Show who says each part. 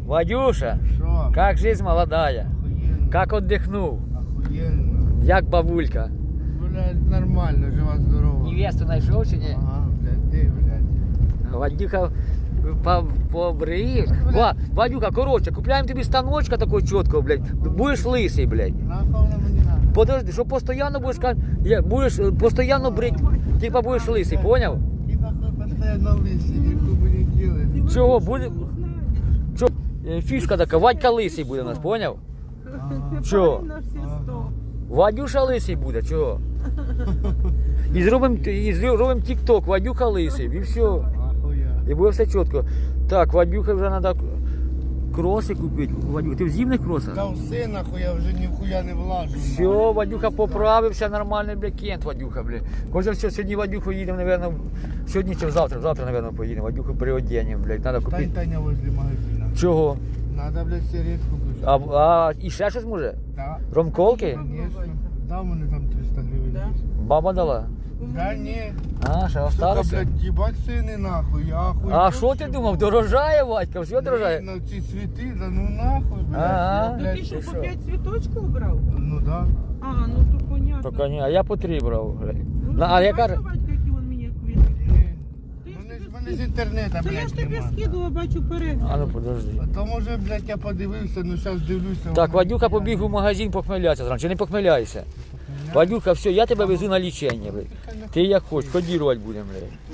Speaker 1: Вадюша,
Speaker 2: Що?
Speaker 1: как жизнь молодая?
Speaker 2: Охуєнно.
Speaker 1: Как отдохнул?
Speaker 2: Охуєнно.
Speaker 1: Як бабулька?
Speaker 2: Блядь, нормально, жива здорова.
Speaker 1: Невесту знайшов чи ні?
Speaker 2: Ага, блядь, ти, блядь.
Speaker 1: Вадюха побриєш. Вадюха, коротше, купляємо тобі станочка такого чіткого, блядь. Будеш лисий, блядь.
Speaker 2: Нахуй воно мені надо.
Speaker 1: Подожди, що постійно будеш постійно брить, типа будеш лисий, поняв?
Speaker 2: І нахуй постоянно лисий, ніхто би не ділить.
Speaker 1: Чого, буде? Чо? Фішка така, Вадька лисий буде у нас, поняв? Чого? Вадюша лисий буде, чого? І зробимо тік-ток, Вадюха лисий, і все.
Speaker 2: Ахуя.
Speaker 1: І буде все чітко. Так, Вадюха вже треба кроси купити. Вадюха, ти в зимних кросах?
Speaker 2: Та все нахуй, я вже ніхуя не влажу.
Speaker 1: Все, Вадюха поправився, нормальний, бля, кент, Вадюха, бля. Каже, все, сьогодні Вадюху їдемо, наверное, сьогодні чи завтра, наверное, поїдемо. Вадюху переоденемо, блядь, треба
Speaker 2: Стань,
Speaker 1: купити.
Speaker 2: Таня, возле магазина.
Speaker 1: Чого?
Speaker 2: Надо, блядь, сигаретку купити.
Speaker 1: І ще щось може?
Speaker 2: Да.
Speaker 1: Ромколки?
Speaker 2: Конечно. Да, у мене там 300 гривень.
Speaker 3: Да?
Speaker 2: є.
Speaker 1: Баба дала?
Speaker 2: Да ні.
Speaker 1: А, ще
Speaker 2: Сука,
Speaker 1: осталося?
Speaker 2: блядь, їбать ціни нахуй, я ахуй.
Speaker 1: А що ти думав, дорожає, Вадька, все дорожає?
Speaker 2: На ці цвіти, да ну нахуй, блядь.
Speaker 1: Ага.
Speaker 2: Я,
Speaker 3: Ну
Speaker 2: блядь,
Speaker 3: ти що,
Speaker 1: ти
Speaker 3: по
Speaker 1: що?
Speaker 3: 5 цвіточків брав?
Speaker 2: Ну да.
Speaker 3: А, ну то понятно.
Speaker 1: Поки ні, а я по 3 брав.
Speaker 3: Ну,
Speaker 1: А я
Speaker 3: бачиш,
Speaker 1: кажу,
Speaker 3: Вадька, які він мені квіти?
Speaker 2: Ні.
Speaker 3: Ти ж
Speaker 2: Вони ж
Speaker 3: тобі
Speaker 2: мене з інтернету,
Speaker 3: Та я ж
Speaker 2: блядь,
Speaker 3: тобі
Speaker 2: нема.
Speaker 3: скидувала, бачу, перегляд.
Speaker 1: а ну подожди.
Speaker 2: А то може, блядь, я подивився, ну зараз дивлюся.
Speaker 1: Так,
Speaker 2: воно
Speaker 1: Вадюха
Speaker 2: ніхуя
Speaker 1: побіг
Speaker 2: не-
Speaker 1: у магазин похмеляться зранку, чи не похмеляйся?
Speaker 2: Ні.
Speaker 1: Вадюха, все, я тебе везу на лічення, блядь. Ти як хочеш, кодірувати будемо, блядь.